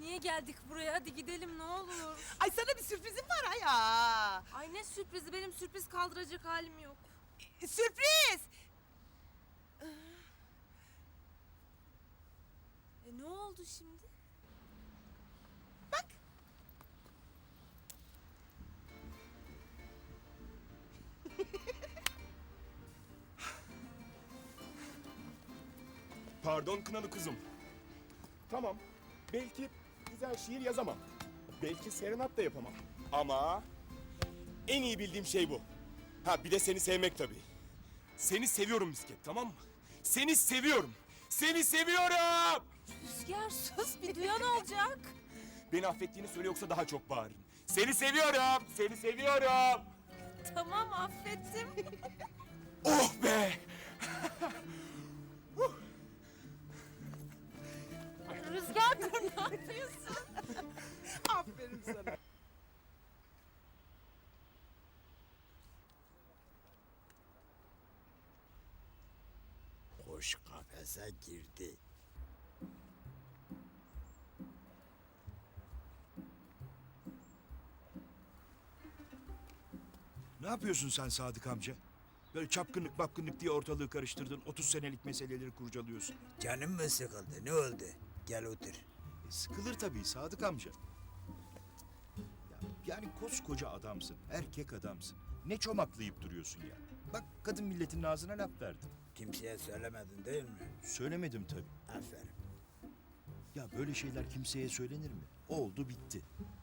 niye geldik buraya? Hadi gidelim ne olur. Ay sana bir sürprizim var ha ya. Ay ne sürprizi, benim sürpriz kaldıracak halim yok. Sürpriz. Ne oldu şimdi? Bak. Pardon kınalı kuzum. Tamam, belki güzel şiir yazamam. Belki serenat da yapamam. Ama en iyi bildiğim şey bu. Ha bir de seni sevmek tabii. Seni seviyorum Misket, tamam mı? Seni seviyorum. Seni seviyorum! Rüzgar sus, bir duyan olacak. Beni affettiğini söyle yoksa daha çok bağırırım. Seni seviyorum! Seni seviyorum! Tamam, affettim. Oh be! Rüzgar dur, ne yapıyorsun? Aferin sana. Kuş kafese girdi. Ne yapıyorsun sen Sadık amca? Böyle çapkınlık mapkınlık diye ortalığı karıştırdın. 30 senelik meseleleri kurcalıyorsun. Canım mı sıkıldı? Ne oldu? Gel otur. Sıkılır tabii Sadık amca. Yani koskoca adamsın, erkek adamsın. Ne çomaklayıp duruyorsun ya? Bak kadın milletin ağzına laf verdin. Kimseye söylemedin değil mi? Söylemedim tabii. Aferin. Ya böyle şeyler kimseye söylenir mi? Oldu bitti.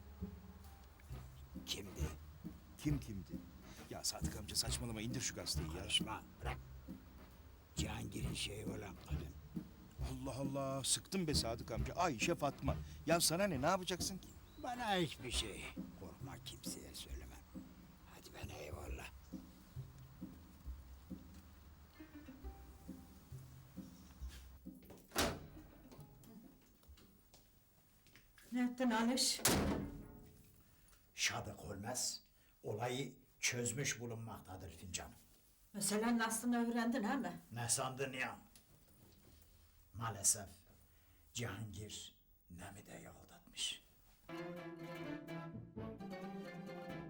Kimdi? Kim kimdi? Ya Sadık amca saçmalama indir şu gazeteyi ya. Karışma. Bırak. Cihangir'in şeyi olan kadın. Allah Allah sıktın be Sadık amca. Ayşe Fatma. Ya sana ne yapacaksın ki? Bana hiçbir şey. Korkma, kimseye söylemem. Hadi ben eyvallah. Ne ettin Aliş? Şadık olmaz. Olayı çözmüş bulunmaktadır fincanım. Meselenin aslını öğrendin he mi? Ne sandın ya? Maalesef Cihangir Nemide'yi aldatmış.